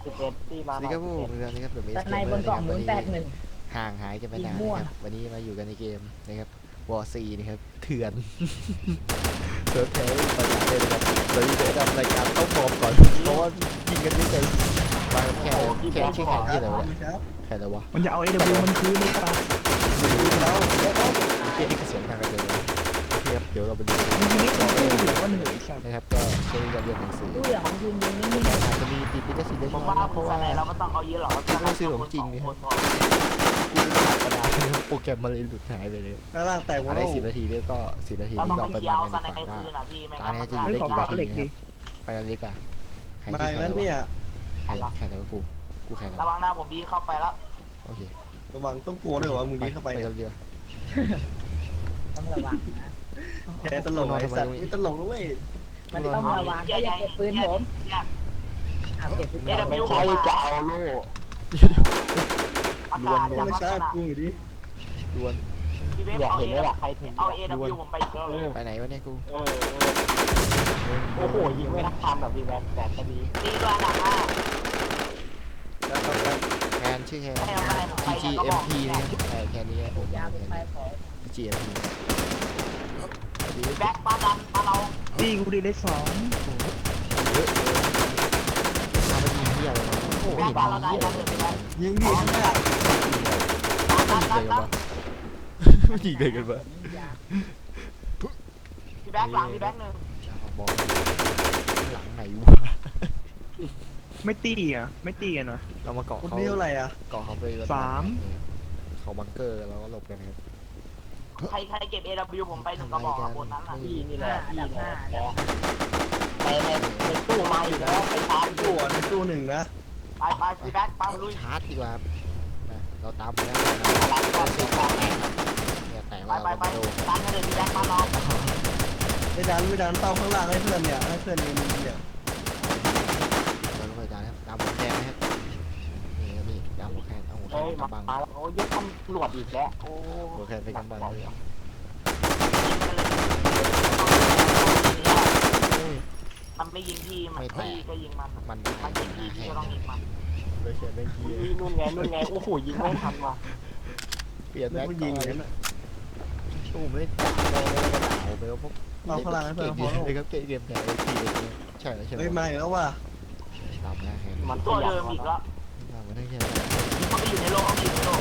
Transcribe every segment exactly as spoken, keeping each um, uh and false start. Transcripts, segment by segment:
สิบเอ็ดที่มานี่ครับผมเรื่องนี้ครับแบบนี้แต่ในบนกล่องหมุนแตกหนึ่งห่างหายกันไปนานนะครับวันนี้มาอยู่กันในเกมนะครับวอร์ซีนะครับเถื่อนเซิร์ฟแพ้ไปหลายเลยนะครับตอนนี้เดี๋ยวทำรายการต้องพร้อมก่อนเพราะว่ายิงกันไม่เป็นมาแข่งแข่งชื่อแข่งที่อะไรวะแข่งอะไรวะมันจะเอา เอ ดับเบิลยู มันคืนเลยครับแล้วเกมนี้ก็เสียงทางกันเลยนะโอเคครับเดี๋ยวเราไปดูมันยิงไม่ตรงเหลือว่าเหนื่อยใช่ไหมนะครับก็ใช้การเรียนหนังสือตู้อย่างของยืนยืนนิ่งๆอาจจะมีติดลิขสิทธิ์เล็กผมน้อยว่านะเพคุณราะสว่าไนเราไม่ต้องเอาเยอะหรอกกูไม่ซื้อของจริงนี่ครับ กระดาษโปรแกรมมันเลยหลุดหายไปเลยข้างล่างแตกหมดอะไรแล้วสิบนาทีแล้วก็สิบนาทีเราที่ต้องเราไปไปเที่ยวมันสกันไนดีกว่าในคืนอ่ะพี่ไม่ตางั้นเนี้ยจะอมันยู่จะได้กี่นาทีเหล็กคดิรับไปกันเลยกันใครมาที่อีกแข่แล้วงเนี่ยใครแข่งแล้วกูกูแข่งแล้วระวังหน้าผมดีเข้าไปแล้วโอเคระวังต้องกลัวด้วยวะมึงดีเข้าไปไปกันเดียวต้องระวังนะแค่ตลกไอ้สัตว์ไม่ตลกนะเว้ยมันต้องระวังก็อย่าเก็บปืนผมเอาเก็บปืนเอเดผมบิวใครจะเอาลูกอากาศจะไม่ลักใช่ษณะกูอยู่ดิดวลพี่เวฟเอาเอเอาเอเดบิวผมไปเยอะเลยไปไหนวะเนี่ยกูเออโอ้โหยิงไม่ทักทำแบบพี่แวฟแต่ก็ดีตีตัวอันดับห้าแล้วก็แทนชื่อแทนให้เอาอะไรผมไปจีก็เอ็บมอกพีนะครับแทนแค่นี้ผมยาเป็นไฟของจีเอ็มพีแบ็คปาดันปาเราตีกูดีได้สองเยอะเลยเอาไปยิงเหี้ยอะไรวะโอ้โหไม่เห็นมีเหี้ยอะไรเลยยิงดิข้างหน้าดันดันดันยิงเลยกันปะพี่แบ็คหลังพี่แบ็คหนึ่งบอลหลังไหนวะไม่ตีอ่ะไม่ตีกันวะเรามาเกาะคนเขานี้เท่าไหร่อ่ะเกาะเขาไปสามเขาบังเกอร์แล้วก็หลบกันครับใครใครเก็บเอเดบิวผมไปหนึ่งกระบอกบนนั้นน่ะพี่นี่แหห้าละอันพี่ดับแหห้าละไปในในตู้มาอยู่แล้วไปชาร์จตู้อ่ะในตู้หนึ่งนะไปไปพี่แบ็คไปลุยชาร์จดีกว่านะเราตามไปแล้วอะไรก็เสียงเนี่ยแต่ไปว่าไปเราไปไม่โดนดันกันเลยพี่แบ็คมาลองไม่ดันไม่ดันเต้าข้างล่างให้เพื่อนเนี่ยให้เพื่อนยิงเนี่ยเราต้องไปตามนะครับตามหัวแคนนะครับนี่ครับนี่ตามหัวแคนเอาหัวแคเฮ้ยนมากำบังแล้วโอ้ยตำรวจอีกแล้วโอ้หัวแคนไปกำบังเลยมันไม่ยิงพี่มันพี่ก็ยิงมันมันมันยิงพี่พี่ก็ต้องยิงมันเลยเขียนไม่เกียนู่นไงนู่นไงโอ้โหยิงไม่ทันว่ะเปลี่ยนแล้วแบ็คก็ยิงอย่างนั้นอ่ะตู้ไม่ได้จับเลยด่าไปว่าพวกเต้าข้างล่างให้เพื่เก่อนงพอเลยครับเก่งเกมแข่งไอทีใช่แล้วใช่ไหมเฮ้ยมาอีกแล้วว่ะตามหน้าแคนมันตัวเดิมอีกแล้วตามมาได้แค่มันไปอยู่ในโลกเขาอยู่ในโลก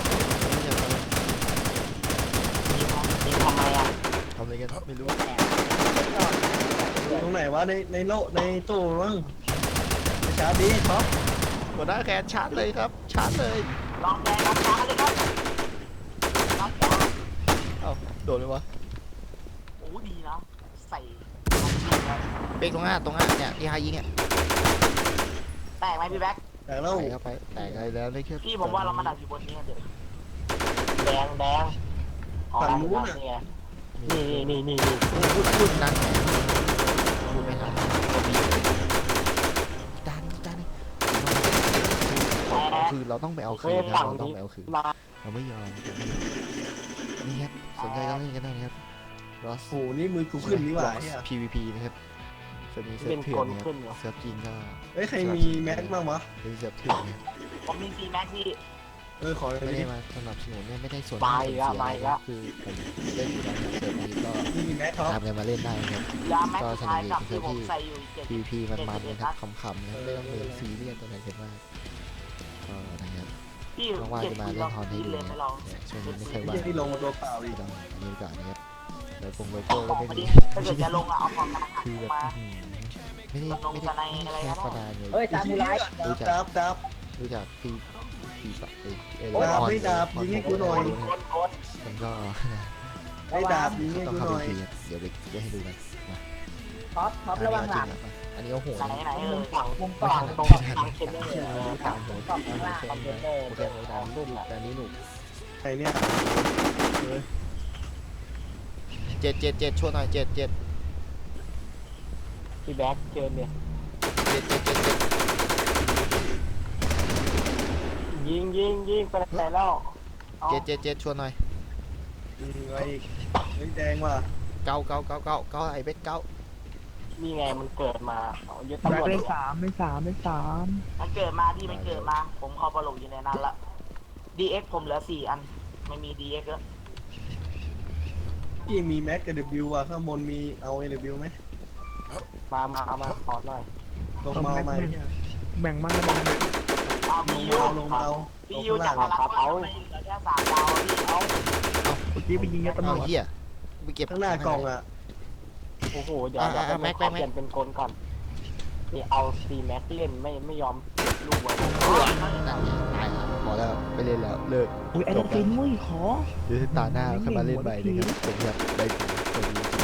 ยิงทำไมอ่ะทำอะไรกันไม่รู้ตรงไหนวะในในโลในตู้มั้งชาร์จดีท็อปหัวหน้าแคนชาร์จเลยครับชาร์จเลยลองแดงรับช้าเลยครับรับช้าเอ้าโดนเลยวะโอ้ดีนะใส่เป๊กตรงหน้าตรงหน้าเนี่ยที่ฮายิงอ่ะแตกไหมพี่แบ็คแต่แล้วใส่เข้าไปแตกอะไรแล้วได้แค่พี่ผมว่าเรามาดักอยู่บนนี้เถอะแดงแดงนี่นี่นี่นี่พูดพูดดันพูดไม่ทันก็มีดันดันคือเราต้องไปเอาคืนนะเราต้องไปเอาคืนมาเราไม่ยอมนี่ครับสนใจก็เล่นกันได้นะครับ Ross โอ้โหนี่มือกูขึ้นนี่หว่าเนี่ยพี วี พี นะครับจะมีเซิร์ฟเถื่อนนะครับเซิร์ฟจริงก็เฮ้ยใครมีแม็กบ้างวะเป็นเซิร์ฟเถื่อนนะผมมีซีแม็กที่เออขอเลยไม่ดิได้มาสนับสนุนเนี่ยไม่ได้ส่วนไปเสียละไปอะไรละคือผมเล่นอยู่แล้วเซิร์ฟนี้ก็นี่มีแม็กท็อปตามกันมาเล่นได้นะครับยาแม็กสุดท้ายกับที่ผมใส่อยู่เจ็ดพี วี พี มันมันนะครับขำๆนะครับไม่ต้องเป็นซีเรียสตัวไหนกันมากก็นะครับพี่ว่างเจ็ดๆจะมาทีเล่เรานฮอนให้ที่ดูเล่นนะไม่ลองเนี่ยช่วงนี้ไม่เคยไอ้ว่างเหี้ยนี่ลงมาตัวเปล่าอีกต้องมีโอกาสนะครับโดยปงโลขอโก้งก็มาไม่ดิมีถ้าเกิดจะลงอะเอาของมาคือแบบมาไม่ได้ไม่ได้ไม่ได้แค่ประดานเลยเฮ้ยตามมูไรรู้จักดาบดาบรู้จักพี่พี่ปักเอเอดาบไม่ดาบยิงให้กูหน่อยโคตรโคตรมันก็ไอ้ดาบยิงให้ต้องกูเข้าหไปน่อยทีเดี๋ยวไปเดี๋ยวให้ดูกันนะท็อปท็อประวังหลังอันนี้เอาหัวไหนไหนเออฝั่งมุมกล่องตรงทางเช็ดเลยกลางหัวกลางหัวแค่นี้โอเคเลยดาวรุ่นแต่นี้หนุกใครเนี่ยเจ็ดเจ็ดเจ็ดช่วยหน่อยเจ็ดเจ็ดพี่แบ็คเชิญเนี่ยเจ็ดเจ็ดเจ็ดเจ็ดยิงยิงยิงไปไหนแล้วเจ็ดเจ็ดเจ็ดช่วยหน่อยยิงไว้อีกเฮ้ยแดงว่ะเก้าเก้าเก้าเก้าเก้าไอ้เบ็ดเก้านี่ไงมันเกิดมาเอายึดแบตำรกวจได้สามได้สามได้สามมันเกิดมาที่มันเกิดมา ผมเข้าประหลกอยู่ในนั้นละ ดี เอ็กซ์ ผมเหลือสี่อันไม่มี ดี เอ็กซ์ แล้วพี่มีแม็กกับเดบิวอะข้างบนมีเอาเอเดบิวไหมมามาเอามาขอหน่อยลงมาเอาไหมแบ่งมั่งแบ่งมั่งเอาลพี่งยูมาเอาลงมาเอาพี่ยูจากพลังครับเอาเหลือแค่สามดาวพี่เอาเมื่อกี้ไปยิงยาตำรเอาวจเหี้ยไปเก็บข้างหน้ากล่องอะโอ้โหเดี๋ยวเดี๋ยวผมขอเปลี่ยนเป็นกลก่อนนี่เอาซีแม็กเล่นไม่ไม่ยอมเก็บลูกไว้นั่นไงตายแล้วพอแล้วไปเล่นแล้วเลิกอุ้ยไอ้ดอกฟินมุ้ยขอเดี๋ยวตาหน้าค่อยมาเล่นใหม่นะครับผมครับไปสวัสดี